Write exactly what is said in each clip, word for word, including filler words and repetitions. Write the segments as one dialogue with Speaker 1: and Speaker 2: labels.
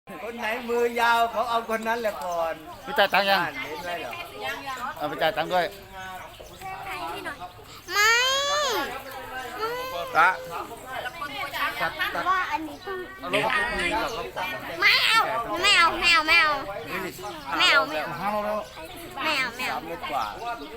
Speaker 1: คนไหนมือยาวเขาเอาคนนั้นแหละก่อน
Speaker 2: ไปจ่ายตังค์ยัง
Speaker 1: เห็นไหมเหรอ
Speaker 2: เอาไปจ่ายตังค์ด้วย
Speaker 3: ไม่
Speaker 2: ตา
Speaker 3: ว่าอันนี้ต้องไม่เอาไม่เอาไม่เอาไม่เอาไม่เอาไม่เอา
Speaker 2: ห้าโลแล้ว
Speaker 3: ไม่เอาไม่เอา
Speaker 1: สามเมตรกว่า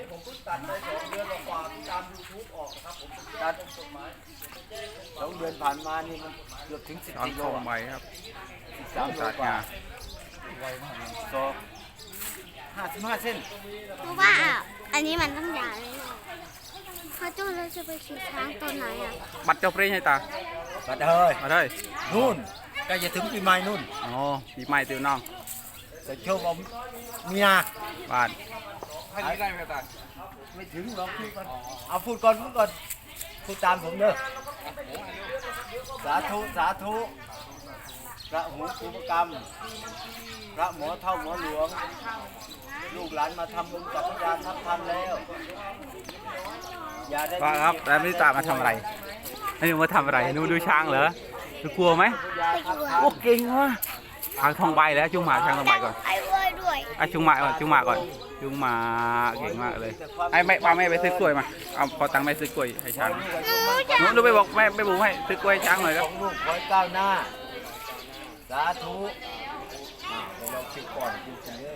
Speaker 1: ตัดสองเดือนผ่านมานี่มันเกือบถึงสิบ
Speaker 2: ตอน
Speaker 1: กิโล
Speaker 2: เข้าใบครับ
Speaker 1: สามโล
Speaker 2: ตัด
Speaker 1: กว่าง
Speaker 2: า
Speaker 1: สองห้าสิบห้าเส้น
Speaker 3: เพราะว่าอันนี้มันต้องยาวเลยพ่อจู้เราจะไปขี่ช้างตัวไหนอ่ะ
Speaker 2: บัตรเจ้าเปรี้ยให้ตา
Speaker 1: บัดเฮ้ย
Speaker 2: มาได้
Speaker 1: นู่นใกล้จะถึงปีใหม่นู่น
Speaker 2: อ๋อปีใหม่ติวน้อง
Speaker 1: แต่โชคเอาเมีย
Speaker 2: บ้าน
Speaker 1: ให้ได้ไหมตาไม่ถึงหรอกพูดก่อนเอาพูดก่อนพูดก่อนพูดตามผมเด้อสาธุสาธุพระหูภูมิกรรมพระหมอเท่าหมอหลวงลูกหลานมาทำบุญกับพระยาทัพทันแล้วอย่าได้
Speaker 2: ว่าครับแล้วนี่ตามาทำอะไรให้หนูมาทำอะไรหนูดูช้างเหรอหนูกลัวไหมโอ้เก่งว่ะทางทองใบแล้วจุงหมาทางทองใบก่อน
Speaker 3: ไอ้เว้ยด้วย
Speaker 2: ไอ้จุงหมาก่อนจุงหมาก่อนจุงหมาเก่งมากเลยไอ้แม่ป้าแม่ไปซื้อกล้วยมาเอาพอตังค์แม่ซื้อกล้วยให้ช้างหนูหนูไปบอกแม่ไปบุ๋มให้ซื้อกล้วยช้างหน่อยครับ
Speaker 1: ลูกขอก้าวหน้าสาธุเราคิดก่อนคิดกันเลย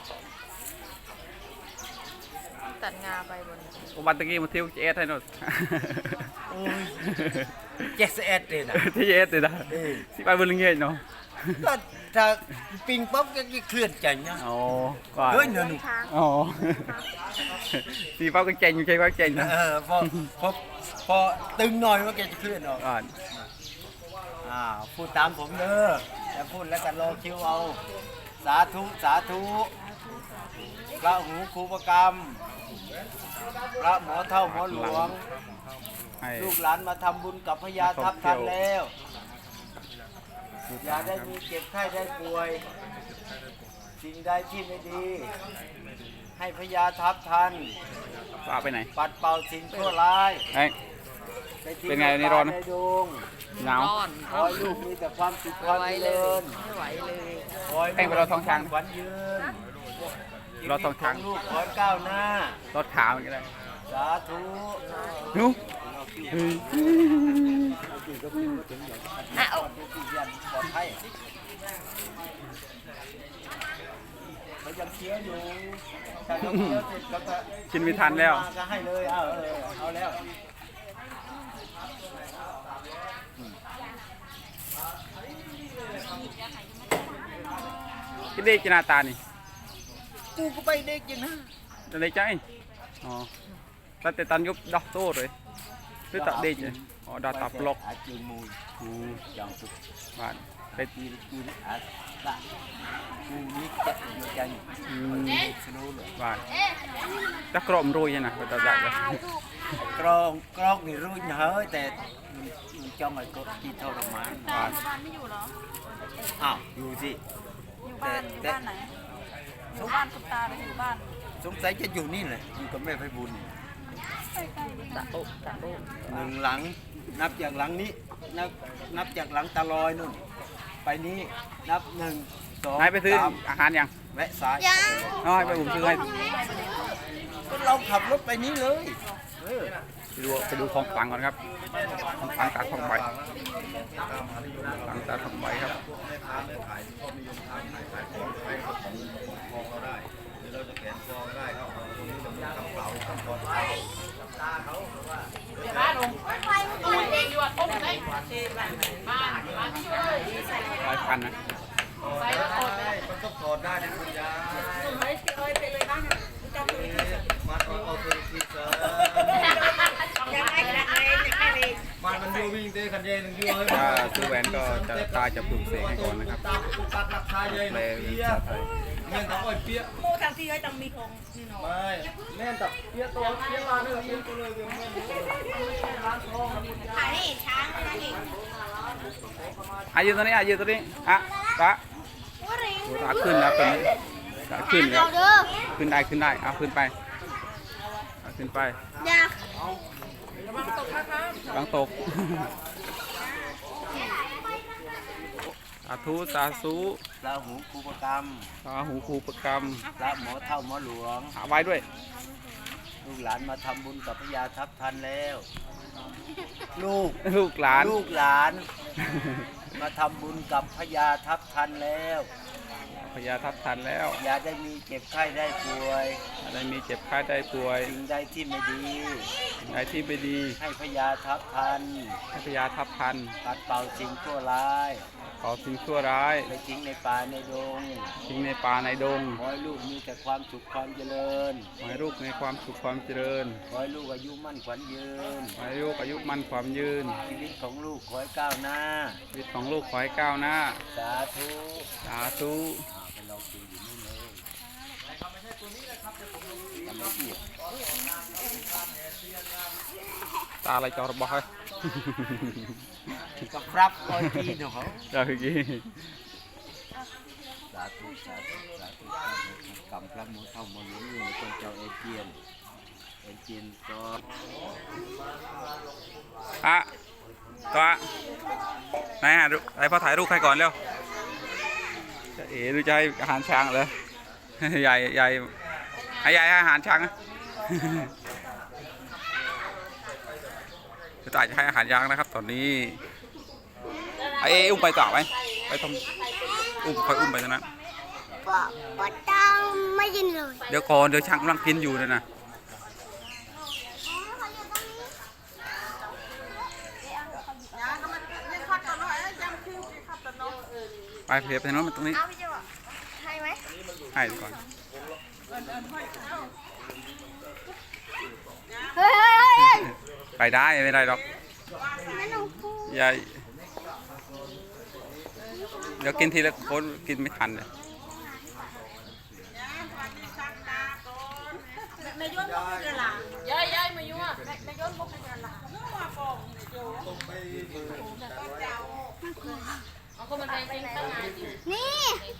Speaker 4: ตัดงาไปบน
Speaker 2: อุบัติเหตุมาเที่ยวเจสให้หน่อย
Speaker 1: เจ็ดสิบเอ็ดเลยนะ
Speaker 2: ที่เจสเลยนะสิไปบนเงี้ยเนาะ
Speaker 1: ก็ถ้าปิงป๊อปก็เคลื่อนใจเนาะ
Speaker 2: อ๋อก่อน
Speaker 1: เฮ้ยเนื้อหนู
Speaker 2: อ๋อสีฟ้าก็เจ๋งอยู่ใช่ไหมเจ๋งนะ
Speaker 1: เออพอพอพอตึงหน่อยว่าแกจะเคลื่อนออก
Speaker 2: ก่อน
Speaker 1: อ่าพูดตามผมเด้อแต่พูดแล้วกันรอคิวเอาสาธุสาธุพระหูครูประกรรมพระหมอเท่าหมอหลวงลูกหลานมาทำบุญกับพญาทัพทันแล้วอย่าได้มีเจ็บไข้ได้ป่วยสิ่งใดที่ไม่ดีให้พญาทัพทัน
Speaker 2: ป้าไปไหน
Speaker 1: ปัดเป่าสิ่งชั่วร้าย
Speaker 2: เป็นไงนี่ร้อนนะหนาว
Speaker 1: ขอให้ลูกมีแต่ความสุขความเจริญ
Speaker 4: ไม่ไหวเลย
Speaker 1: ขอให้
Speaker 2: แป้งไปรอทองช้าง
Speaker 1: ขวัญยืน
Speaker 2: รอทองช้าง
Speaker 1: ลูกขอให้ก้าวหน้าร
Speaker 2: ถขาวอย่างไร
Speaker 1: สาธุ
Speaker 2: นุ๊ก
Speaker 1: อ่ะเอาปลอดภัยเขายังเคี้ยวอยู่ถ้าเขาเคี้ยวเสร็จก็จะ
Speaker 2: กินไม่ทันแล้ว
Speaker 1: ก็ให้เลยเอาเออเอาแล้ว
Speaker 2: กินเด็กกินหน้าตานี่
Speaker 1: กูก็ไปเด็กยังนะ
Speaker 2: จะเด็กใจอ๋อแต่แต่ตันยุบดอกโต้เลยคือตัดเด็กเลยอ๋อดาตับล็อก
Speaker 1: จูมู
Speaker 2: อืม
Speaker 1: อย่างสุด
Speaker 2: บ้าน
Speaker 1: ไปตีกูนี่อาละกูนี่จะอยู่ใจ
Speaker 2: อืม
Speaker 1: สนุกเลย
Speaker 2: บ้านจะกรอบรุ่ยนะไปตัดได้เลย
Speaker 1: กรองกรองนี่รุ่ยเฮ้ยแต่จ้องไอ้ก็ที่ทรมาน
Speaker 4: บ้านบ้านไม่อยู่เหรอ
Speaker 1: อ้าวอยู่สิ
Speaker 4: อยู่บ้านอยู่บ้านไหนอยู่บ้านคุณตาหรืออยู่บ้าน
Speaker 1: สงสัยจะอยู่นี่แหละอยู่กับแม่ไพบุญ
Speaker 4: ตะโอ๊ะตะโอ๊ะ
Speaker 1: หนึ่งหลังนับจากหลังนี้นับนับจากหลังตาลอยนู่นไปนี้นับหนึ่งสอง
Speaker 2: นายไปซื้ออาหารยัง
Speaker 1: แวะซ้าย
Speaker 2: น้อยไปผมซื้อให้
Speaker 1: ก็เราขับรถไปนี้เลย
Speaker 2: ไปดูไปดูของฝังก่อนครับของฝังตาทองใบฝังตาทองใบครับ
Speaker 4: บ้านลงตู้เองอยู่อ่ะต้มได้บ้านบ้าน
Speaker 2: ร้อยพันนะ
Speaker 4: ใส่แล้วถอดได้
Speaker 1: มันต้องถอดได้นะคุณยาย
Speaker 4: เฮ้ยเอ้ยไปเลยบ้านนะจำไม่ได้
Speaker 1: มาเอาเอาตัวที่เจอ
Speaker 4: ยังไงยังไงยังไงดี
Speaker 1: มันมันดูวิ่งเตะขันเย็นดูเลย
Speaker 2: ถ้าซื้อแหวนก็จะตาจะปลูกเสกให้ก่อนนะครับ
Speaker 1: ตัดราคาเยอะเลยเปี้ยเงินต้องอ้อยเปี้ย
Speaker 4: โมทางที่ให้ต้องมีของนี่เนาะ
Speaker 1: ไม่แม่ตับเปี้ยตัวเปี้ยมาเลยเปี้ยตัวเลยเปี้ยร้านทอง
Speaker 4: ขายให้ช้างนะนี่
Speaker 2: อายุตัวนี้อายุตัวนี้อ่ะปะตาขึ้นแล้วตัวนี้ตาขึ้นแล้วขึ้นได้ขึ้นได้เอาขึ้นไปขึ้นไป
Speaker 4: ระวังตกนะคะ
Speaker 2: ระวังตกสาธุสาธุ
Speaker 1: พระหูครูประกรรม
Speaker 2: สาหูครูประกรรม
Speaker 1: พระหมอเท่าหมอหลวง
Speaker 2: หาไว้ด้วย
Speaker 1: ลูกหลานมาทำบุญกับพญาทัพทันแล้ว ลูก
Speaker 2: ลูกหลาน
Speaker 1: ลูกหลาน มาทำบุญกับพญาทัพทันแล้ว
Speaker 2: พญาทัพทันแล้ว
Speaker 1: อย่าได้มีเจ็บไข้ได้ป่วย
Speaker 2: อะไรมีเจ็บไข้ได้ป่วย
Speaker 1: สิ่งใดที่ไม่ดี
Speaker 2: อะไรที่ไม่ดี
Speaker 1: ให้พญาทัพทัน
Speaker 2: ให้พญาทัพทัน
Speaker 1: ปัดเป่าสิ่งชั่วร้าย
Speaker 2: ขอสิ่งชั่วร้าย
Speaker 1: ไปทิ้งในป่าในดง
Speaker 2: ทิ้งในป่าในดง
Speaker 1: ขอให้ลูกมีแต่ความสุขความเจริญ
Speaker 2: ขอให้ลูกในความสุขความเจริญ
Speaker 1: ขอให้ลูกอายุมั่นขวัญยืน
Speaker 2: ขอให้ลูกอายุมั่นความยืน
Speaker 1: ชีวิตของลูกขอให้ก้าวหน้า
Speaker 2: ชีวิตของลูกขอให้ก้าวหน้า
Speaker 1: สาธุ
Speaker 2: สาธุ
Speaker 1: อ่าไปลองกินอยู่นู่นเลยทำไม่ผิด
Speaker 2: ตาอะไรจอระบอกให้
Speaker 1: กับครับคอยกินของเขา
Speaker 2: เดี๋ยวกี้
Speaker 1: สาธุสาธุสาธุกำพระมูเท่ามูนี้อยู่ในคนเจ้าเอเจียนเอเจียนก็
Speaker 2: อะตัวไหนฮะดูไหนพอถ่ายรูปใครก่อนเร็วจะเอ๋ดูจะให้อาหารช้างเหรอ ใหญ่ใหญ่ให้ใหญ่ให้อาหารช้างนะ จะตายจะให้อาหารช้างนะครับ ตอนนี้ไอ้เอ๋อุ้มไปต่อไหมไปทำอุ้มคอยอุ้มไปตรงนั้น
Speaker 3: ปอปอต้องไม่ยินเลย
Speaker 2: เดี๋ยวก่อนเดี๋ยวช้างกำลังกินอยู่นะนะไปเพียบไปโน้นมาตรงนี้
Speaker 3: เอาพี่จะบอกให้ไหม
Speaker 2: ให้ก่อน
Speaker 3: เฮ้ยเฮ้ยเฮ้ย
Speaker 2: ไปได้ไม่ได้หรอก
Speaker 3: นั่นหนูพูด
Speaker 2: อย่าเดี๋ยวกินทีละคนกินไม่ทันเลย
Speaker 4: ในย้อนพวกเป็นกระหล่ำย้ายย้ายมายุ่งอ่ะในย้อนพวกเป็นกระหล่ำนึกว่าฟองในโจ้เอาคนมันแพงจริงตั้งนานอยู่
Speaker 3: นี่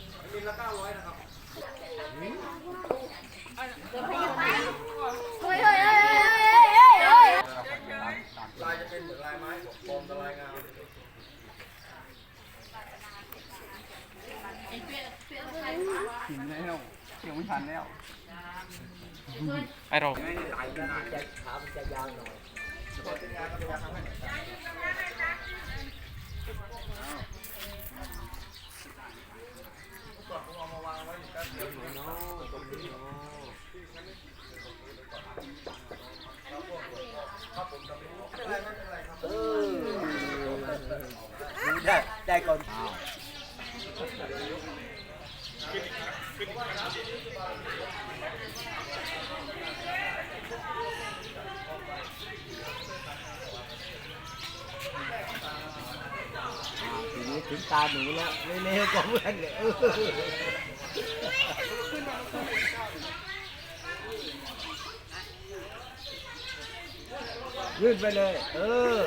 Speaker 3: เฮ้ยเฮ้ยเฮ้ยเฮ้ยเฮ้ย
Speaker 1: ลายจะเป็นเหมือนลายไม้ปมลายงาม
Speaker 2: กินแล้วเที่ยวไม่ทันแล้วไอเรา
Speaker 1: จะขามันจะยาวหน่อยได้ได้ก่อนทีนี้ถึงตาหนูแล้วเร็วๆกับเพื่อนเลยเออยื่นไปเลย เออ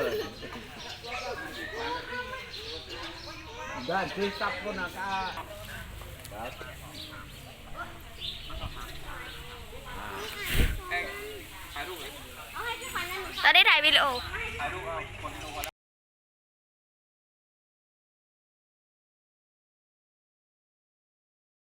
Speaker 1: ด้านที่ซับคนอากาศครับ
Speaker 3: ตอนได้ถ่ายวิดีโอ
Speaker 2: ถ่ายรูปเอา